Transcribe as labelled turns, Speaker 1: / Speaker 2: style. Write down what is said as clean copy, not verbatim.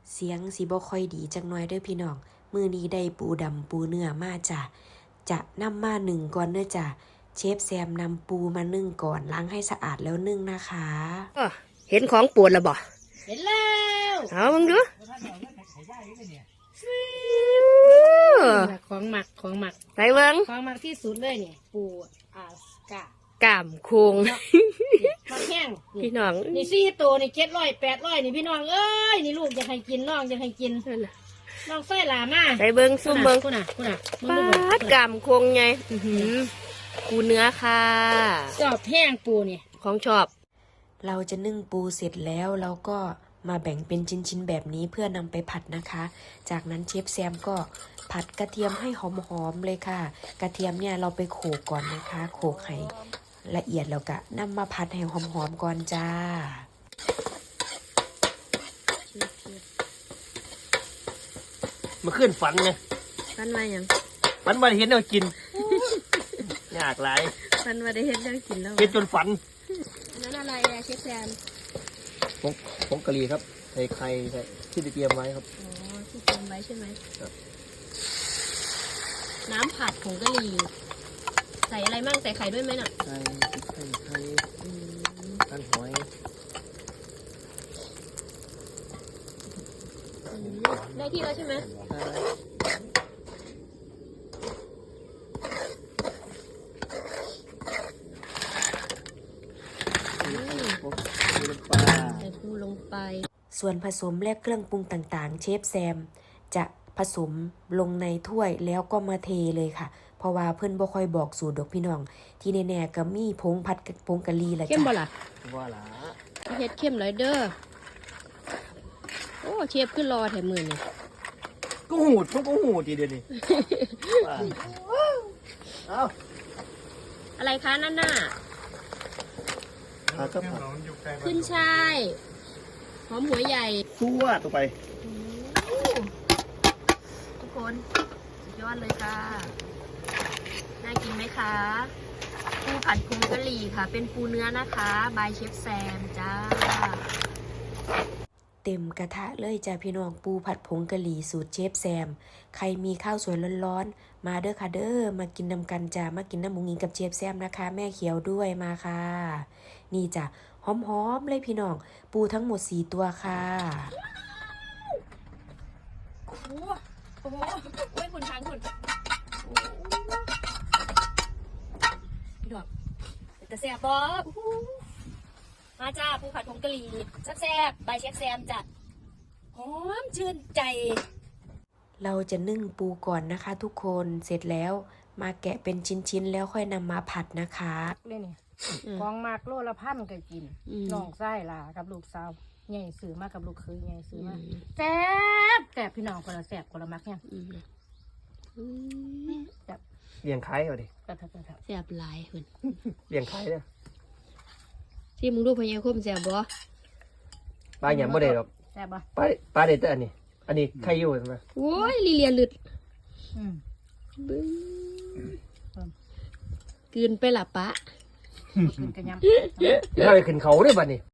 Speaker 1: เสียงสิบ่ค่อยดีจังหน่อยเด้อพี่น้องมื้อนี้ได้ปูดำปูเนื้อมาจ้ะจะนำมานึ่งก่อนเด้อจ้ะเชฟแซมนำปูมานึ่งก่อนล้างให้สะอาดแล้วนึ่งนะคะ
Speaker 2: เห็นของปวดแล้วบ่
Speaker 3: เห็นแล้ว
Speaker 2: เอามึงดู
Speaker 3: ของหมัก
Speaker 2: ใส่เบิ้ง
Speaker 3: ของหมักที่สุดเลยเนี่ยปูอาสก
Speaker 2: ากามโคง
Speaker 3: มาแห้ง
Speaker 2: พี่น้อง
Speaker 3: นี่4 ตัวนี่700 800นี่พี่น้องเอ้ยนี่ลูกจะให้กินน้องจะให้กินน้องไส้หลามา
Speaker 2: ใส่เบิ้งซุ่มเบิ้ง
Speaker 3: คุณน่ะ
Speaker 2: ปาดกามโคงไงปูเนื้อค่ะ
Speaker 3: ชอบแห้งปูนี่
Speaker 2: ของชอบ
Speaker 1: เราจะนึ่งปูเสร็จแล้วเราก็มาแบ่งเป็นชิ้นๆแบบนี้เพื่อนำไปผัดนะคะจากนั้นเชฟแซมก็ผัดกระเทียมให้หอมๆเลยค่ะกระเทียมเนี่ยเราไปโขลกก่อนนะคะโขลกให้ละเอียดแล้วก็นำมาผัดให้หอมๆก่อนจ้า
Speaker 4: มาขึ้นฝันไง
Speaker 2: ฝันว่าหยัง
Speaker 4: ฝันว่าเห็นเรากินยากหลาย
Speaker 2: ฝันว่าได้เห็นเรากินแล้ว
Speaker 4: เห็นจนฝัน
Speaker 2: นั่นอะไรเชฟแซม
Speaker 4: ผงกะหรี่ครับใส่ไข่ใส่ที่เตรียมไว้ครับ
Speaker 2: อ๋อที่เตรียมไว้ใช่ไหมน้ำผัดผงกะหรี่ใส่อะไรบ้างใส่ไข่ด้วยไหมน่ะ
Speaker 4: ไข่ต้นหอย
Speaker 2: ได้ที่แล้วใช่ไหมใส่ปูลงไป
Speaker 1: ส่วนผสมและเครื่องปรุงต่างๆเชฟแซมจะผสมลงในถ้วยแล้วก็มาเทเลยค่ะเพราะว่าเพื่อนบ่ค่อยบอกสูตรดอกพี่น้องที่แน่ๆก็มีผงผัดผงกะหรี่ละจ้ะ
Speaker 2: เข้มบ่ล่ะ
Speaker 4: ว่าล่ะ
Speaker 2: เฮ็ดเข้มเลยเด้อโอ้เชฟขึ้นรอแถมมือนี่
Speaker 4: ก็หูดมันก็หูดทีเดียวนี่เอา
Speaker 2: อะไรคะนั่นน่ะขึ้นช่ายหอมหัวใหญ่
Speaker 4: ตัวไป
Speaker 2: ทุกคนสุดยอดเลยค่ะน่ากินไหมคะปูผัดผงกะหรี่ค่ะเป็นปูเนื้อนะคะบายเชฟแซมจ้า
Speaker 1: เต็มกระทะเลยจ้าพี่น้องปูผัดผงกะหรี่สูตรเชฟแซมใครมีข้าวสวยร้อนๆมาเด้อค่ะเด้อมากินนำกันจ้ามากินน้ำหมูงิงกับเชฟแซมนะคะแม่เขียวด้วยมาค่ะนี่จ้ะหอมๆเลยพี่น้องปูทั้งหมด4 ตัวค่ะ
Speaker 2: โอ้โหคุณช้างคุณพี่ดอกแต่แซ่บมาจ้าปูผัดผงกะหรี่แซ่บๆใบเชฟแซมจัดหอมชื่นใจ
Speaker 1: เราจะนึ่งปูก่อนนะคะทุกคนเสร็จแล้วมาแกะเป็นชิ้นๆแล้วค่อยนำมาผัดนะคะ
Speaker 3: เลยนี่ของมากโลละพันก็กินน้องไส้ล่ะกับลูกสาวใหญ่ซื้อมากับลูกเคยใหญ่ซื้อมาแซ่บพี่น้องคนละแซ่บคนละมักเนี่ย
Speaker 4: แซ่บเลี้ยงไข่เอาดิ
Speaker 2: แซ่บหลายคน
Speaker 4: เลี้ยงไข่เนี่ย
Speaker 2: ที่มึงดูพญาคมแซ่บบ่
Speaker 4: ปลาหยำบ่ได้หรอก
Speaker 3: แซ่บบ่
Speaker 4: ปลาเด็ดแต่อันนี้ไข่อยู่ใช่ไหม
Speaker 2: โอ้ยลีเลียลึดกินไปละปะ
Speaker 3: กินกันยำ
Speaker 4: เดี๋ยวเราไปขึ้นเขาด้วยบัดนี้